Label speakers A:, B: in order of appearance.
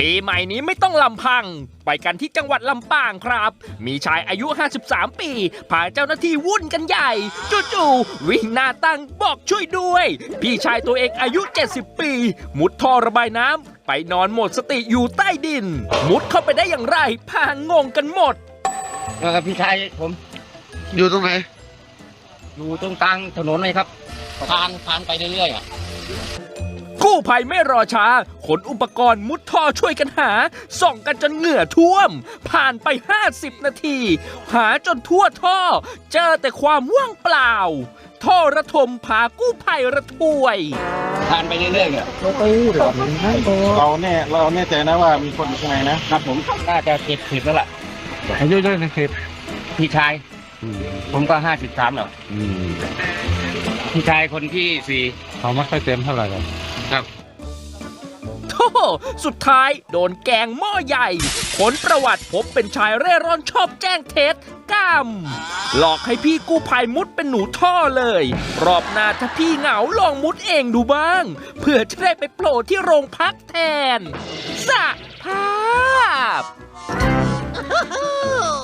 A: ปีใหม่นี้ไม่ต้องลำพังไปกันที่จังหวัดลำปางครับมีชายอายุ53ปีพาเจ้าหน้าที่วุ่นกันใหญ่จู่ๆวิ่งหน้าตั้งบอกช่วยด้วยพี่ชายตัวเองอายุ70ปีมุดท่อระบายน้ำไปนอนหมดสติอยู่ใต้ดินมุดเข้าไปได้อย่างไรพางงกันหมด
B: พี่ชายผม
C: อยู่ตรงไหน
B: อยู่ตรงกลางถนนเลยครับผ่านไปเรื่อย
A: กู้ภัยไม่รอช้าขนอุปกรณ์มุดท่อช่วยกันหาส่องกันจนเหงื่อท่วมผ่านไป50นาทีหาจนทั่วท่อเจอแต่ความว่างเปล่าท่อระทมพากู้ภัยระทวย
B: ผ่านไปเรื่อยๆเนี่ย
C: เราแน่ใจนะว่ามีคนอยู่ข้างในนะครับ
B: ผมน่าจะ70แล้วล่ะ
C: อายุเท่าไหร่นะครับ
B: พี่ชายผมก็53แล้วพี่ชายคนที่4
C: เขาไม่ค่อยเต็มเท่าไหร่
B: ครับ
A: โธ่สุดท้ายโดนแกงหม้อใหญ่ผลประวัติพบเป็นชายเร่ร่อนชอบแจ้งเท็จหลอกให้พี่กู้ภัยมุดเป็นหนูท่อเลยรอบหน้าถ้าพี่เหงาลองมุดเองดูบ้างเพื่อจะได้ไปโผล่ที่โรงพักแทนสะภาพ